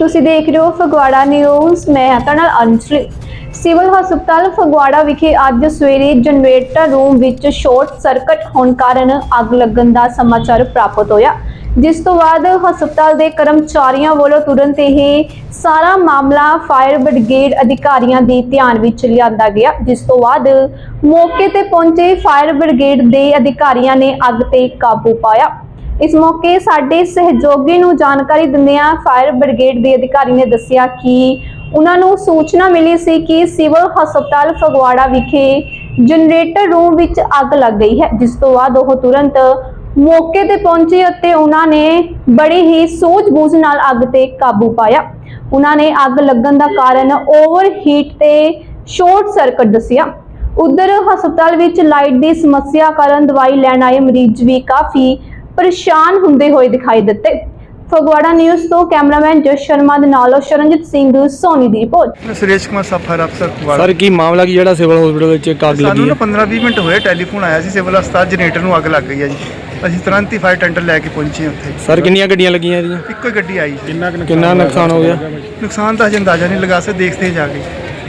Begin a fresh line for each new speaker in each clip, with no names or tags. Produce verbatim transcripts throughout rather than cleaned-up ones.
ਤੁਸੀਂ ਦੇਖ ਰਹੇ ਹੋ ਫਗਵਾੜਾ ਨਿਊਜ਼। ਮੈਂ ਹਾਂ ਤੁਹਾਡੇ ਨਾਲ ਅੰਜਲੀ। ਸਿਵਲ ਹਸਪਤਾਲ ਫਗਵਾੜਾ ਵਿਖੇ ਅੱਜ ਸਵੇਰੇ ਜਨਰੇਟਰ ਰੂਮ ਵਿੱਚ ਸ਼ਾਰਟ ਸਰਕਟ ਹੋਣ ਕਾਰਨ ਅੱਗ ਲੱਗਣ ਦਾ ਸਮਾਚਾਰ ਪ੍ਰਾਪਤ ਹੋਇਆ, ਜਿਸ ਤੋਂ ਬਾਅਦ ਹਸਪਤਾਲ ਦੇ ਕਰਮਚਾਰੀਆਂ ਵੱਲੋਂ ਤੁਰੰਤ ਇਹ ਸਾਰਾ ਮਾਮਲਾ ਫਾਇਰ ਬ੍ਰਿਗੇਡ ਅਧਿਕਾਰੀਆਂ ਦੇ ਧਿਆਨ ਵਿੱਚ ਲਿਆਂਦਾ ਗਿਆ, ਜਿਸ ਤੋਂ ਬਾਅਦ ਮੌਕੇ ਤੇ ਪਹੁੰਚੇ ਫਾਇਰ ਬ੍ਰਿਗੇਡ ਦੇ ਅਧਿਕਾਰੀਆਂ ਨੇ ਅੱਗ ਤੇ ਕਾਬੂ ਪਾਇਆ। इस मौके साडे सहयोगी नूं जानकारी दिंदियां फायर ब्रिगेड के अधिकारी ने दस्सिया कि उन्हां नूं सूचना मिली सी कि सिविल हस्पताल फगवाड़ा विखे जनरेटर रूम विच अग लग गई है, जिस तो बाद ओह तुरंत मौके ते पहुंचे अते उन्हां ने बड़ी ही सूझबूझ नाल अग ते काबू पाया। उन्हां ने अग लगन दा कारण ओवरहीट ते शॉर्ट सर्किट दस्सिया। उधर हस्पताल विच लाइट की समस्या कारण दवाई लैण आए मरीज भी काफ़ी परेशान हुंदे होए दिखाई दिते। फगवाड़ा न्यूज़ तो कैमरामैन जश शर्मा दे नाल शरणजीत सिंह सोनी दी रिपोर्ट।
सुरेश कुमार सफर अफसर फगवाड़ा।
सर की मामला की जेड़ा सिविल हॉस्पिटल विच अग लगी है?
पंद्रह बीस मिनट होए टेलीफोन आया सी सिविल अस्पताल जनरेटर नूं अग लग गई है जी। ਅਸੀਂ ਤੁਰੰਤ ਹੀ ਫਾਇਰ ਟੈਂਡਰ ਲੈ ਕੇ ਪਹੁੰਚੇ ਉੱਥੇ।
ਸਰ ਕਿੰਨੀਆਂ ਗੱਡੀਆਂ ਲੱਗੀਆਂ ਇਹਦੀਆਂ?
ਇੱਕੋ ਹੀ ਗੱਡੀ ਆਈ।
ਕਿੰਨਾ ਕਿੰਨਾ ਨੁਕਸਾਨ ਹੋ ਗਿਆ?
ਨੁਕਸਾਨ ਤਾਂ ਹਜੇ ਅੰਦਾਜ਼ਾ ਨਹੀਂ ਲਗਾ ਸਕਦੇ, ਦੇਖਦੇ ਜਾ ਕੇ।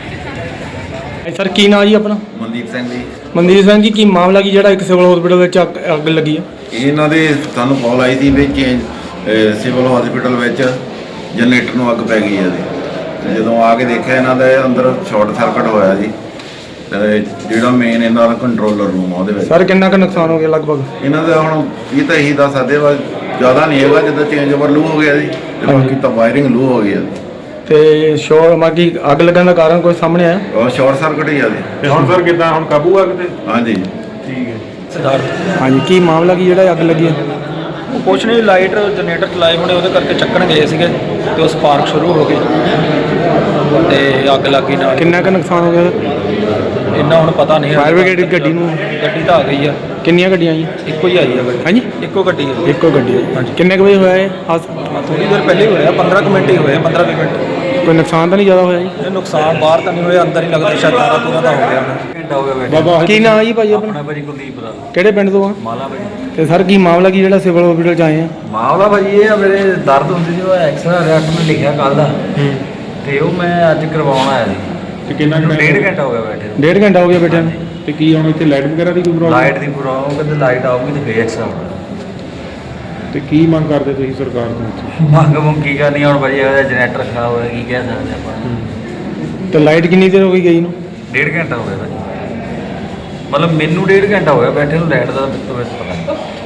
ਸਰ ਕੀ ਨਾਂ ਜੀ ਆਪਣਾ?
ਮਨਦੀਪ ਸਿੰਘ ਜੀ।
ਮਨਦੀਪ ਸਿੰਘ ਜੀ, ਕੀ ਮਾਮਲਾ ਕੀ ਜਿਹੜਾ ਇੱਕ ਸਿਵਲ ਹਸਪੀਟਲ ਵਿੱਚ ਅੱਗ ਅੱਗ ਲੱਗੀ ਹੈ?
ਇਹਨਾਂ ਦੇ ਸਾਨੂੰ ਕਾਲ ਆਈ ਸੀ ਵੀ ਚੇਂਜ ਸਿਵਲ ਹਸਪੀਟਲ ਵਿੱਚ ਜਨਰੇਟਰ ਨੂੰ ਅੱਗ ਪੈ ਗਈ ਹੈ ਜੀ। ਜਦੋਂ ਆ ਕੇ ਦੇਖਿਆ ਇਹਨਾਂ ਦੇ ਅੰਦਰ ਸ਼ਾਰਟ ਸਰਕਟ ਹੋਇਆ ਜੀ, ਤੇ ਜਿਹੜਾ ਮੇਨ ਇਹਨਾਂ ਦਾ ਕੰਟਰੋਲਰ ਰੂਮ ਆ ਉਹਦੇ ਵਿੱਚ।
ਸਰ ਕਿੰਨਾ ਕੁ ਨੁਕਸਾਨ ਹੋ ਗਿਆ ਲਗਭਗ?
ਇਹਨਾਂ ਦਾ ਹੁਣ ਇਹ ਤਾਂ ਇਹੀ ਦੱਸ ਸਕਦੇ ਵਾ, ਜ਼ਿਆਦਾ ਨਹੀਂ ਹੈਗਾ, ਜਿੱਦਾਂ ਚੇਂਜ ਓਵਰ ਲੂ ਹੋ ਗਿਆ ਜੀ, ਤੇ ਬਾਕੀ ਤਾਂ ਵਾਇਰਿੰਗ ਲੂ ਹੋ ਗਈ ਹੈ।
ਤੇ ਸ਼ੋਰ ਮਾਗੀ ਅੱਗ ਲੱਗਣ ਦਾ ਕਾਰਨ ਕੋਈ ਸਾਹਮਣੇ ਆਇਆ?
ਉਹ ਸ਼ਾਰਟ ਸਰਕਟ ਹੀ ਆ ਜੀ।
ਤੇ ਹੁਣ ਸਰ ਕਿੱਦਾਂ, ਹੁਣ ਕਾਬੂ ਆ ਕਿਤੇ?
ਹਾਂਜੀ
ਠੀਕ ਹੈ।
ਸਿਧਾਰਥ ਹਾਂਜੀ, ਕੀ ਮਾਮਲਾ ਕੀ ਜਿਹੜਾ ਅੱਗ ਲੱਗੀ ਹੈ?
ਉਹ ਕੁਛ ਨਹੀਂ, ਲਾਈਟ ਜਨਰੇਟਰ ਚਲਾਏ ਹੋਣੇ, ਉਹਦੇ ਕਰਕੇ ਚੱਕਣ ਗਏ ਸੀਗੇ ਤੇ ਉਹ ਸਪਾਰਕ ਸ਼ੁਰੂ ਹੋ ਗਈ ਤੇ ਅੱਗ ਲੱਗ ਗਈ ਨਾਲ।
ਕਿੰਨਾ ਕੁ ਨੁਕਸਾਨ ਹੋ ਗਿਆ?
ਇੰਨਾ ਹੁਣ ਪਤਾ ਨਹੀਂ।
ਫਾਇਰ ਬ੍ਰਿਗੇਡ ਗੱਡੀ ਨੂੰ?
ਗੱਡੀ ਤਾਂ ਆ ਗਈ ਆ।
ਕਿੰਨੀਆਂ ਗੱਡੀਆਂ ਜੀ?
ਇੱਕੋ ਹੀ ਆਈ ਆ ਗੱਡੀ।
ਹਾਂਜੀ,
ਇੱਕੋ ਗੱਡੀ ਹੈ।
ਇੱਕੋ ਗੱਡੀ ਹੈ।
ਹਾਂਜੀ।
ਕਿੰਨੇ ਕੁ ਵਜੇ ਹੋਇਆ ਇਹ ਹਾਦਸਾ?
ਥੋੜੀ ਦੇਰ ਪਹਿਲੇ ਹੀ ਹੋਇਆ, ਪੰਦਰਾਂ ਕੁ ਮਿੰਟ ਹੀ ਹੋਏ, ਪੰਦਰਾਂ ਵੀਹ ਮਿੰਟ।
ਕੋਈ ਨੁਕਸਾਨ ਤਾਂ ਨਹੀਂ ਜ਼ਿਆਦਾ ਹੋਇਆ ਜੀ?
ਇਹ ਨੁਕਸਾਨ ਬਾਹਰ ਤਾਂ ਨਹੀਂ ਹੋਇਆ, ਅੰਦਰ ਹੀ ਲੱਗਦਾ ਸ਼ਾਇਦ ਤਾਰਾ ਤੂਰਾ ਦਾ ਹੋ ਗਿਆ ਹੁਣ। ਘੰਟਾ ਹੋ ਗਿਆ ਬੈਠੇ।
ਬਾਬਾ
ਕੀ ਨਾਂ ਜੀ ਭਾਜੀ ਆਪਣਾ?
ਆਪਣਾ ਭਾਜੀ ਕੁਲਦੀਪ ਦਾ।
ਕਿਹੜੇ ਪਿੰਡ ਤੋਂ ਆ?
ਮਾਲਾ ਭਾਜੀ।
ਤੇ ਸਰ ਕੀ ਮਾਮਲਾ ਕੀ ਜਿਹੜਾ ਸਿਵਲ ਹਸਪੀਟਲ ਚ ਆਏ ਆ?
ਮਾਮਲਾ ਭਾਜੀ ਇਹ ਆ, ਮੇਰੇ ਦਰਦ ਹੁੰਦੀ ਸੀ, ਉਹ ਐਕਸਰਾ ਰਿਐਕਟ ਮੈਂ ਲਿਖਿਆ ਕੱਲ ਦਾ, ਤੇ ਉਹ ਮੈਂ ਅੱਜ ਕਰਵਾਉਣ ਆਇਆ ਸੀ।
ਤੇ ਕਿੰਨਾ ਕੁ
ਡੇਢ
time?
ਘੰਟਾ ਹੋ ਗਿਆ ਬੈਠੇ ਨੂੰ।
ਡੇਢ ਘੰਟਾ ਹੋ ਗਿਆ ਬੈਠਿਆਂ ਨੂੰ।
ਤੇ ਕੀ ਹੁਣ ਇੱਥੇ ਲਾਈਟ ਵਗੈਰਾ ਦੀ ਕੋਈ ਪ੍ਰੋਬਲਮ?
ਲਾਈਟ ਦੀ ਪ੍ਰੋਬਲਮ, ਕਹਿੰਦੇ ਲਾਈਟ ਆਊਗੀ ਤੇ ਫੇਰ ਐਕਸਰਾ ਹੋਊਗਾ।
ਤੇ ਕੀ ਮੰਗ ਕਰਦੇ ਤੁਸੀਂ ਸਰਕਾਰ ਤੋਂ?
ਮੰਗ ਮੰਗ ਕੀ ਕਰਨੀ ਹੁਣ ਭਾਜੀ, ਇਹਦਾ ਜਨਰੇਟਰ ਖਰਾਬ ਹੋਇਆ, ਕੀ ਕਹਿ ਸਕਦੇ ਆਪਾਂ।
ਤੇ ਲਾਈਟ ਕਿੰਨੀ ਦੇਰ ਹੋ ਗਈ ਗਈ ਨੂੰ?
ਡੇਢ ਘੰਟਾ ਹੋ ਗਿਆ ਭਾਜੀ, ਮਤਲਬ ਮੈਨੂੰ ਡੇਢ ਘੰਟਾ ਹੋ ਗਿਆ ਬੈਠੇ ਨੂੰ, ਲਾਈਟ ਦਾ ਮੈਨੂੰ ਪਤਾ ਨਹੀਂ।